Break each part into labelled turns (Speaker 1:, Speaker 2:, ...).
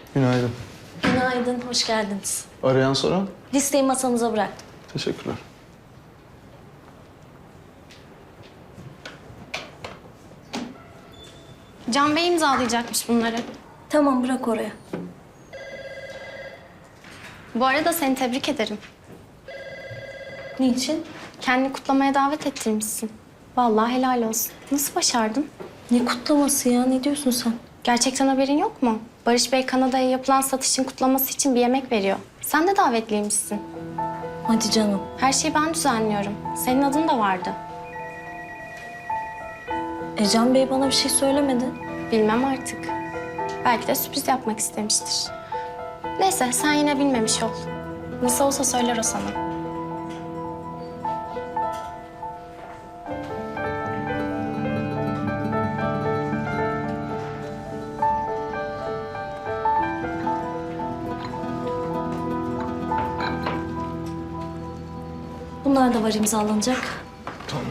Speaker 1: Günaydın.
Speaker 2: Günaydın, hoş geldiniz.
Speaker 1: Arayan soran?
Speaker 2: Listeyi masanıza bıraktım.
Speaker 1: Teşekkürler.
Speaker 3: Can Bey imzalayacakmış bunları.
Speaker 2: Tamam, bırak oraya.
Speaker 3: Bu arada seni tebrik ederim.
Speaker 2: Niçin?
Speaker 3: Kendini kutlamaya davet ettirmişsin. Vallahi helal olsun. Nasıl başardın?
Speaker 2: Ne kutlaması ya? Ne diyorsun sen?
Speaker 3: Gerçekten haberin yok mu? Barış Bey Kanada'ya yapılan satışın kutlaması için bir yemek veriyor. Sen de davetliymişsin.
Speaker 2: Hadi canım.
Speaker 3: Her şeyi ben düzenliyorum. Senin adın da vardı.
Speaker 2: Can Bey bana bir şey söylemedi.
Speaker 3: Bilmem artık. Belki de sürpriz yapmak istemiştir. Neyse sen yine bilmemiş ol. Nasıl olsa söyler o sana.
Speaker 2: Bunlar da var imzalanacak.
Speaker 1: Tamam.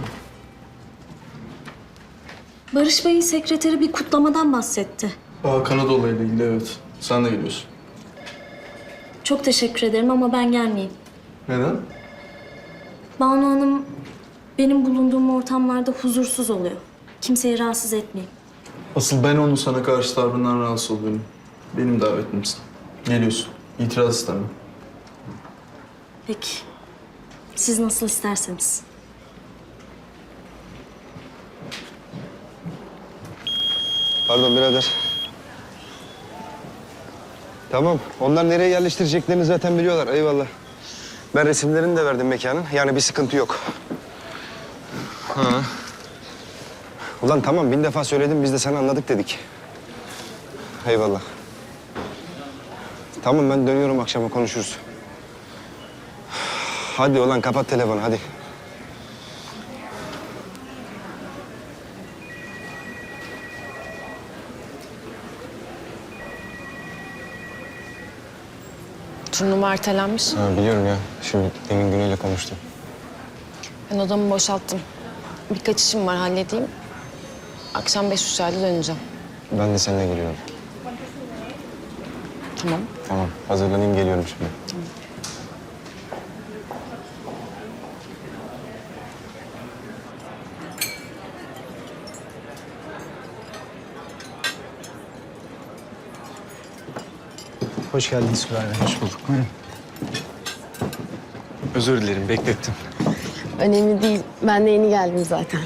Speaker 2: Barış Bey'in sekreteri bir kutlamadan bahsetti.
Speaker 1: Kanada olayıyla ilgili evet. Sen de geliyorsun.
Speaker 2: Çok teşekkür ederim ama ben gelmeyeyim.
Speaker 1: Neden?
Speaker 2: Banu Hanım benim bulunduğum ortamlarda huzursuz oluyor. Kimseyi rahatsız etmeyeyim.
Speaker 1: Asıl ben onun sana karşı tavrından rahatsız oluyorum. Benim davetimsin. Geliyorsun. İtiraz istemem.
Speaker 2: Peki. Siz nasıl isterseniz.
Speaker 4: Pardon birader. Tamam. Onlar nereye yerleştireceklerini zaten biliyorlar. Eyvallah. Ben resimlerini de verdim mekanın. Yani bir sıkıntı yok. Ha. Ulan tamam 1000 defa söyledim. Biz de sana anladık dedik. Eyvallah. Tamam ben dönüyorum akşama konuşuruz. Hadi ulan kapat telefonu hadi.
Speaker 5: Turnuva ertelenmiş.
Speaker 4: Ha, biliyorum ya. Şimdi demin Güney'le konuştum.
Speaker 5: Ben odamı boşalttım. Birkaç işim var, halledeyim. Akşam 5 uçağıyla döneceğim.
Speaker 4: Ben de seninle geliyorum.
Speaker 5: Tamam.
Speaker 4: Tamam. Hazırlanayım geliyorum şimdi.
Speaker 6: Hoş geldiniz Kuray Bey.
Speaker 4: Hoş bulduk. Buyurun. Özür dilerim beklettim.
Speaker 5: Önemli değil. Ben de yeni geldim zaten.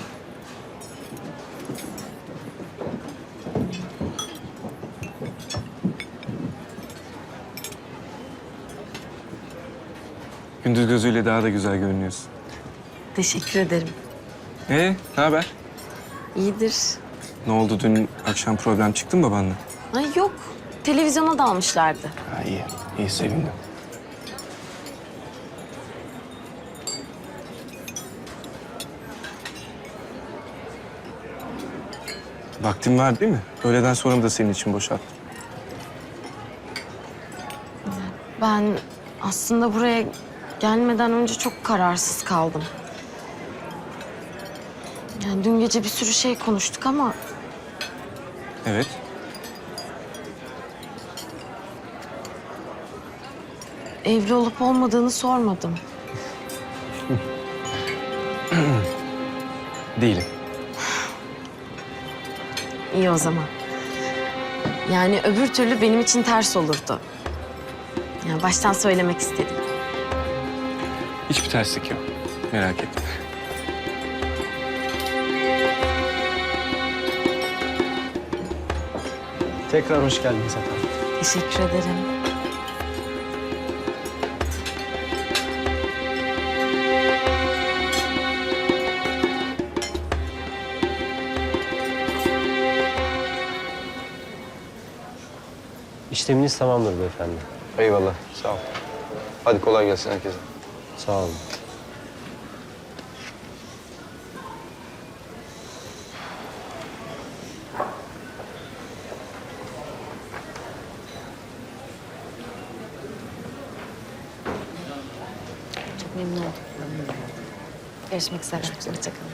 Speaker 7: Gündüz gözüyle daha da güzel görünüyorsun.
Speaker 5: Teşekkür ederim.
Speaker 7: Ne haber?
Speaker 5: İyidir.
Speaker 7: Ne oldu dün akşam problem çıktı mı babanla?
Speaker 5: Ay yok. Televizyona dalmışlardı.
Speaker 7: Ha iyi, iyi sevindim. Vaktin var değil mi? Öğleden sonra da senin için boşalttım.
Speaker 5: Ben aslında buraya gelmeden önce çok kararsız kaldım. Yani dün gece bir sürü şey konuştuk ama
Speaker 7: Evet.
Speaker 5: evli olup olmadığını sormadım.
Speaker 7: Değilim.
Speaker 5: İyi o zaman. Yani öbür türlü benim için ters olurdu. Yani baştan söylemek istedim.
Speaker 7: Hiçbir terslik yok. Merak etme.
Speaker 6: Tekrar hoş geldiniz efendim.
Speaker 5: Teşekkür ederim.
Speaker 6: İşleminiz tamamdır beyefendi.
Speaker 4: Eyvallah. Sağ ol. Hadi kolay gelsin herkese.
Speaker 6: Sağ olun.
Speaker 5: Çok memnun oldum. Görüşmek üzere. Hoşçakalın.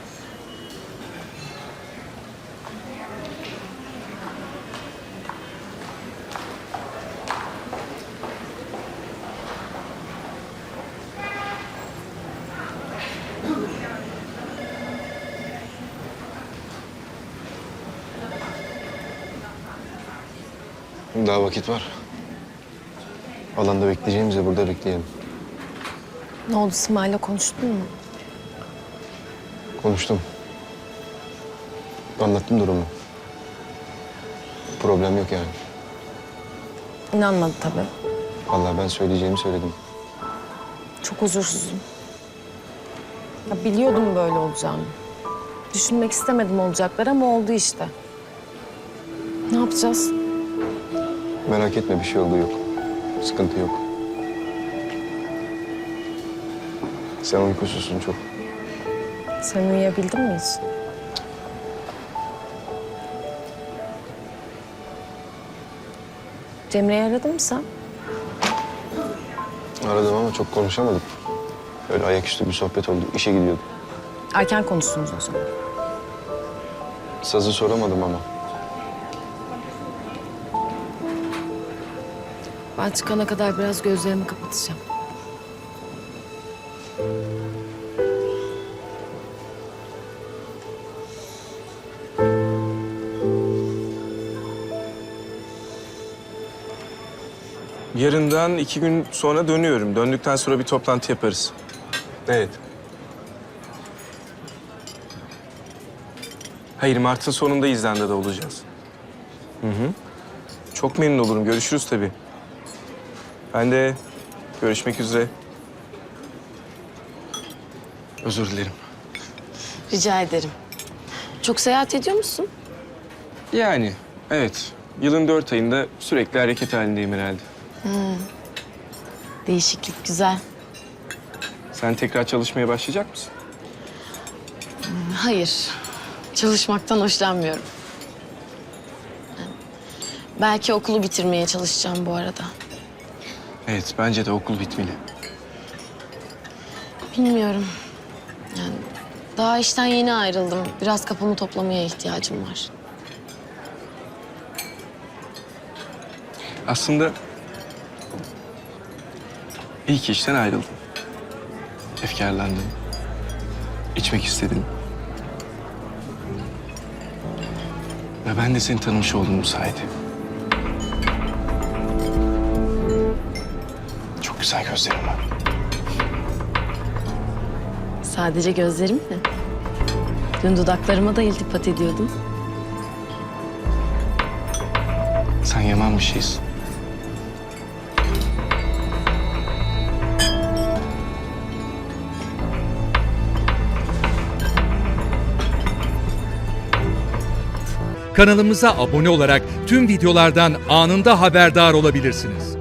Speaker 4: Daha vakit var. Alanda bekleyeceğimize burada bekleyelim.
Speaker 5: Ne oldu, Simay'la konuştun mu?
Speaker 4: Konuştum. Anlattım durumu. Problem yok yani.
Speaker 5: İnanmadı tabii.
Speaker 4: Vallahi ben söyleyeceğimi söyledim.
Speaker 5: Çok huzursuzum. Ya biliyordum böyle olacağını. Düşünmek istemedim olacakları ama oldu işte. Ne yapacağız?
Speaker 4: Merak etme, bir şey olduğu yok. Sıkıntı yok. Sen uykusuzsun çok.
Speaker 5: Sen uyuyabildin mi hiç? Cemre'yi aradın mı sen?
Speaker 4: Aradım ama çok konuşamadık. Öyle ayaküstü bir sohbet oldu. İşe gidiyordum.
Speaker 5: Erken konuştunuz o zaman.
Speaker 4: Sazı soramadım ama.
Speaker 5: Ben çıkana kadar biraz gözlerimi kapatacağım.
Speaker 7: Yarından 2 gün sonra dönüyorum. Döndükten sonra bir toplantı yaparız. Evet. Hayır, Mart'ın sonunda İzlanda'da olacağız. Hı hı. Çok memnun olurum. Görüşürüz tabii. Ben de görüşmek üzere. Özür dilerim.
Speaker 5: Rica ederim. Çok seyahat ediyor musun?
Speaker 7: Yani evet. Yılın 4 ayında sürekli hareket halindeyim herhalde.
Speaker 5: Değişiklik güzel.
Speaker 7: Sen tekrar çalışmaya başlayacak mısın?
Speaker 5: Hayır. Çalışmaktan hoşlanmıyorum. Belki okulu bitirmeye çalışacağım bu arada.
Speaker 7: Evet, bence de okul bitmeli.
Speaker 5: Bilmiyorum. Yani daha işten yeni ayrıldım. Biraz kafamı toplamaya ihtiyacım var.
Speaker 7: Aslında iyi ki işten ayrıldım. Efkarlandım. İçmek istedim. Ve ben de seni tanımış oldum bu sayede. Çok güzel gözlerin var.
Speaker 5: Sadece gözlerim mi? Dün dudaklarıma da iltifat ediyordun.
Speaker 7: Sen yaman bir şeysin.
Speaker 8: Kanalımıza abone olarak tüm videolardan anında haberdar olabilirsiniz.